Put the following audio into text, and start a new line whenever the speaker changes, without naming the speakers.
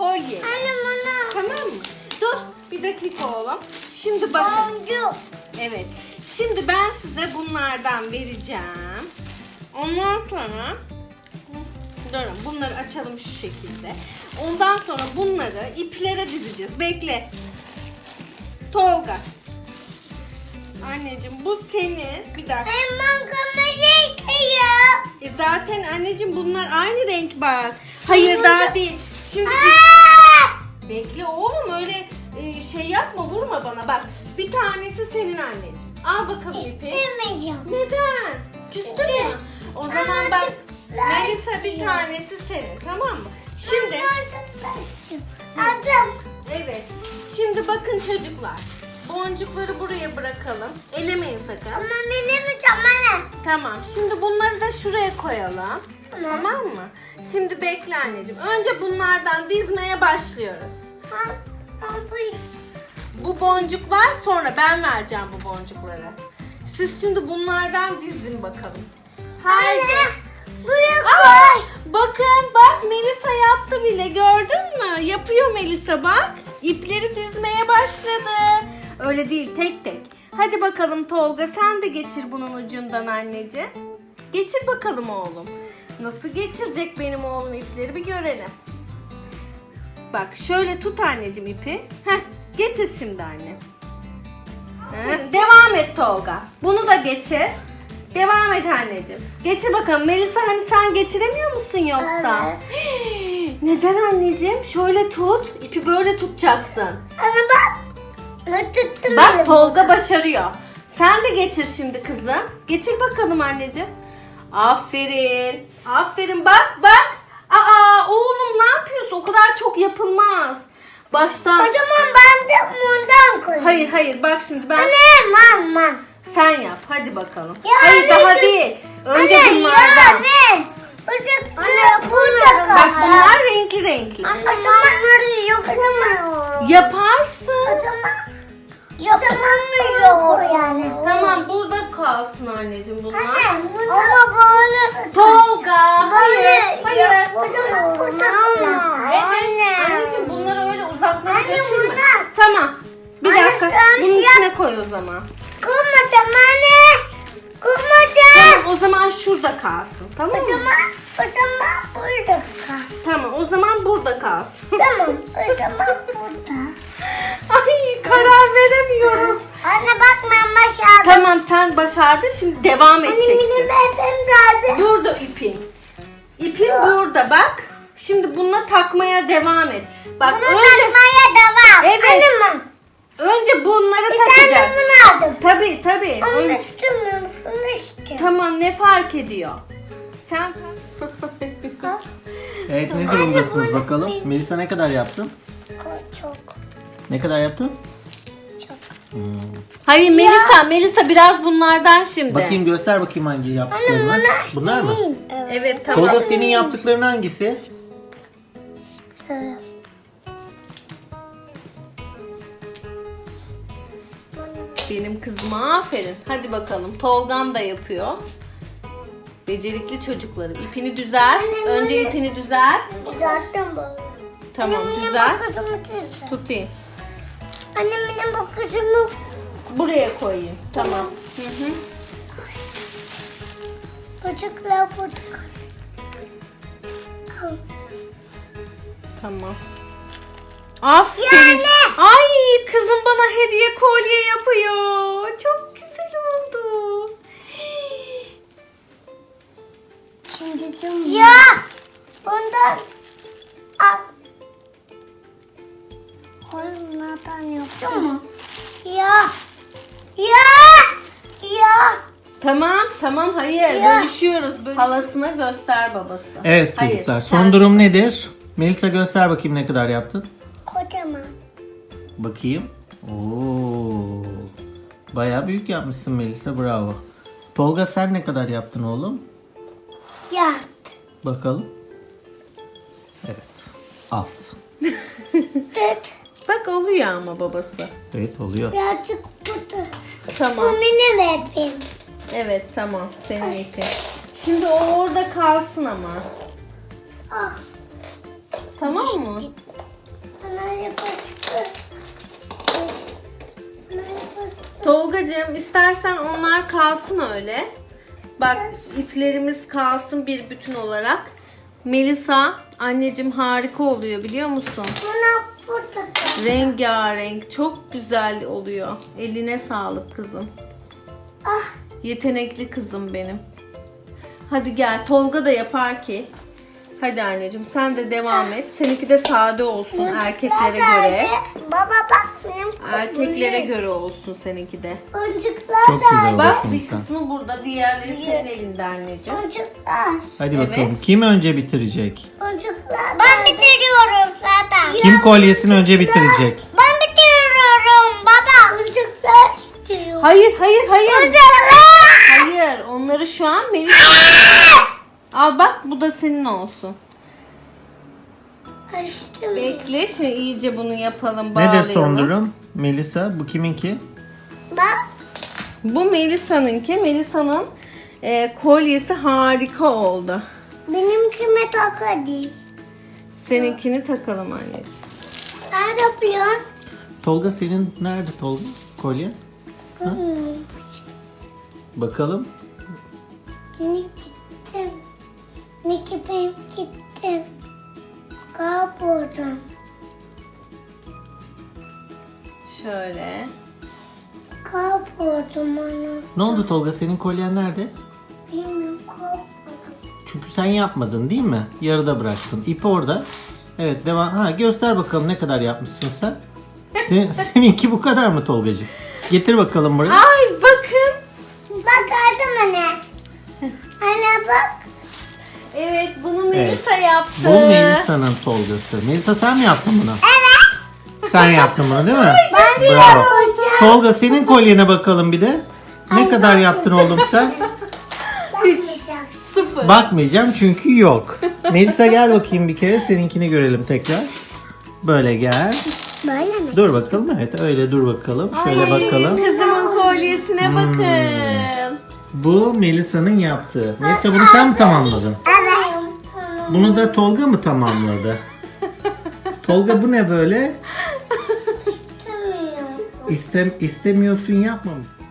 kolye.
Anne bana.
Tamam mı? Dur bir dakika oğlum. Şimdi bakın.
Boncuk.
Evet. Şimdi ben size bunlardan vereceğim. Ondan sonra durun bunları açalım şu şekilde. Ondan sonra bunları iplere dizeceğiz. Bekle. Tolga. Anneciğim bu senin. Bir dakika.
Hemen kamerayı yıkıyor.
Zaten anneciğim bunlar aynı renk bak. Hayır daha değil. Şimdi bekle oğlum öyle şey yapma vurma bana bak. Bir tanesi senin anneciğim. Al bakalım ipi.
İstemiyorum.
Neden? Küstün mü? O zaman bak Melisa bir tanesi senin tamam mı? Şimdi
Aldım.
evet. Şimdi bakın çocuklar. Boncukları buraya bırakalım. Elemeyin sakın.
Ama benim anne.
Tamam. Şimdi bunları da şuraya koyalım. Tamam mı? Şimdi bekle anneciğim. Önce bunlardan dizmeye başlıyoruz. Bu boncuklar sonra ben vereceğim bu boncukları. Siz şimdi bunlardan dizin bakalım. Haydi.
Buraya
Aa,
koy.
bakın bak Melisa yaptı bile gördün mü? Yapıyor Melisa bak. İpleri dizmeye başladı. Öyle değil tek tek. Hadi bakalım Tolga sen de geçir bunun ucundan anneciğim. Geçir bakalım oğlum. Nasıl geçirecek benim oğlum ipleri bir görelim. Bak şöyle tut anneciğim ipi. Heh, geçir şimdi anne. Heh, devam et Tolga. Bunu da geçir. Devam et anneciğim. Geçir bakalım. Melisa hani sen geçiremiyor musun yoksa? Neden anneciğim? Şöyle tut. İpi böyle tutacaksın.
Anne bak. Ne tuttum
Bak
elim.
Tolga başarıyor. Sen de geçir şimdi kızım. Geçir bakalım anneciğim. Aferin. Aferin bak bak. Aa oğlum ne yapıyorsun? O kadar çok yapılmaz. Baştan.
O zaman ben de bundan koyayım.
Hayır hayır bak şimdi ben.
Anne mama.
Sen yap hadi bakalım.
Ya
Hayır
anne,
daha değil. Önce
Anne
bunlardan.
anne. Anne burada kal.
Bak bunlar renkli renkli.
Anne bunları yapamıyorum.
Yaparsın.
O zaman yapamıyor yani.
Tamam burada kalsın anneciğim bunlar.
Anne ama böyle.
Tolga. Hayır. Hayır.
O zaman burada
Evet. Anneciğim bunları öyle uzaklara
Anne,
götürme.
bunlar.
Tamam. Bir
Anne,
dakika.
sen
Bunun
yap.
içine koy o zaman.
Kurmadım anne. Kurmadım.
Tamam o zaman şurada kalsın. Tamam
O
mı?
zaman burada kal.
Tamam o zaman burada kalsın.
Tamam o zaman burada.
Ay karar veremiyoruz.
Anne bak ben başardım.
Tamam sen başardın şimdi devam
Anne
edeceksin.
benim bebem geldi.
Burada ipin. İpin burada bak. Şimdi bununla takmaya devam et. Bak
Bunu
önce
takmaya devam.
Evet.
Anne ben.
önce bunları
Bir tane
takacağız.
bunu aldım.
Tabii.
Onu
Önce-
istemiyorum. Bunu istiyorum.
Tamam ne fark ediyor? Sen
Evet ne durumdasınız bakalım? Melisa ne kadar yaptın?
Çok.
Ne kadar yaptın?
Çok.
Hayır Melisa biraz bunlardan şimdi.
Bakayım göster bakayım hangi yaptıklarını. Bunlar mı?
Evet tamam.
Tolga senin yaptıkların hangisi?
Sarı.
Benim kızıma aferin. Hadi bakalım. Tolgan da yapıyor. Becerikli çocuklarım. İpini düzelt. Önce ipini düzelt.
Düzelttim böyle.
Tamam
Anne,
düzelt.
benim bakışımı düzelt.
Tutayım.
Anne benim bakışımı.
Buraya koyayım. Tamam. Hı hı.
Çocuklar burada. Al.
Tamam. Aferin.
Yani.
Ay kızım bana hediye kolye yapıyor. Çok güzel oldu.
Şimdi tüm. Ya. Bundan al. Oğlum nereden yaptın mı? Ya.
Tamam hayır
Ya.
bölüşüyoruz. Halasına göster babası.
Evet
Hayır,
çocuklar
sen-
son durum nedir? Melisa göster bakayım ne kadar yaptın.
Kocaman.
Bakayım. Oo. Bayağı büyük yapmışsın Melisa bravo. Tolga sen ne kadar yaptın oğlum?
Ya.
Bakalım. Evet. Az.
Tut.
Bak oluyor ama babası.
Evet oluyor.
Birazcık burada.
Tamam.
Bu benim bebeğim.
Evet tamam senin ipin. Şimdi o orada kalsın ama.
Ah.
Tamam mı?
Bunlar yapıştı. Bunlar yapıştı.
Tolgacığım istersen onlar kalsın öyle. Bak iplerimiz kalsın bir bütün olarak. Melisa anneciğim harika oluyor biliyor musun?
Bunlar burada.
Rengarenk çok güzel oluyor. Eline sağlık kızım.
Ah.
Yetenekli kızım benim. Hadi gel Tolga da yapar ki. Hadi anneciğim sen de devam et. Seninki de sade olsun erkeklere göre.
Baba bak benim
Erkeklere göre olsun seninki de.
Boncuklar
Çok güzel
da.
oldu.
Bak
Bakın
bir
sen.
kısmı burada, diğerleri senin elinde anneciğim.
Boncuklar.
Hadi
Evet.
bakalım kim önce bitirecek?
Boncuklar. Ben bitiriyorum zaten.
Kim kolyesini önce bitirecek?
Ben bitiriyorum baba. Boncuklar istiyor.
Hayır.
Boncuklar.
Hayır. Onları şu an Melisa. Al bak bu da senin olsun.
Açtım.
Bekle şimdi iyice bunu yapalım. Bağlayalım.
Nedir son durum? Melisa bu kiminki?
Bak.
Bu Melisa'nınki. Melisa'nın kolyesi harika oldu.
Benimkime tak hadi.
Seninkini takalım anneciğim.
Ne yapıyorsun?
Tolga senin nerede Tolga? Kolye? Bakalım.
Ne gittim. Ne ki ben gittim. Kayboldum.
Şöyle.
Kayboldum onu.
Ne oldu Tolga senin kolyen nerede?
Bilmiyorum kayboldum.
Çünkü sen yapmadın değil mi? Yarıda bıraktın. İp orada. Evet devam. Ha göster bakalım ne kadar yapmışsın sen. Seninki bu kadar mı Tolgacığım? Getir bakalım buraya.
Ay bakın.
Bak gördün anne. Anne bak.
Evet bunu Melisa yaptı.
Bu Melisa'nın Tolgası. Melisa sen mi yaptın bunu?
Evet.
Sen yaptın bunu değil mi?
Ben de
Bravo.
yapacağım.
Tolga senin kolyene bakalım bir de. Ne kadar yaptın oğlum sen?
Bakmayacağım.
0.
Bakmayacağım çünkü yok. Melisa gel bakayım bir kere seninkini görelim tekrar. Böyle gel.
Böyle mi?
Dur bakalım evet öyle dur bakalım. Şöyle bakalım. Hmm.
Kızımın kolyesine bakın.
Bu Melisa'nın yaptığı. Melisa bunu sen mi tamamladın?
Evet.
Bunu da Tolga mı tamamladı? Tolga bu ne böyle?
İstemiyorum.
İstemiyorsun yapmamışsın.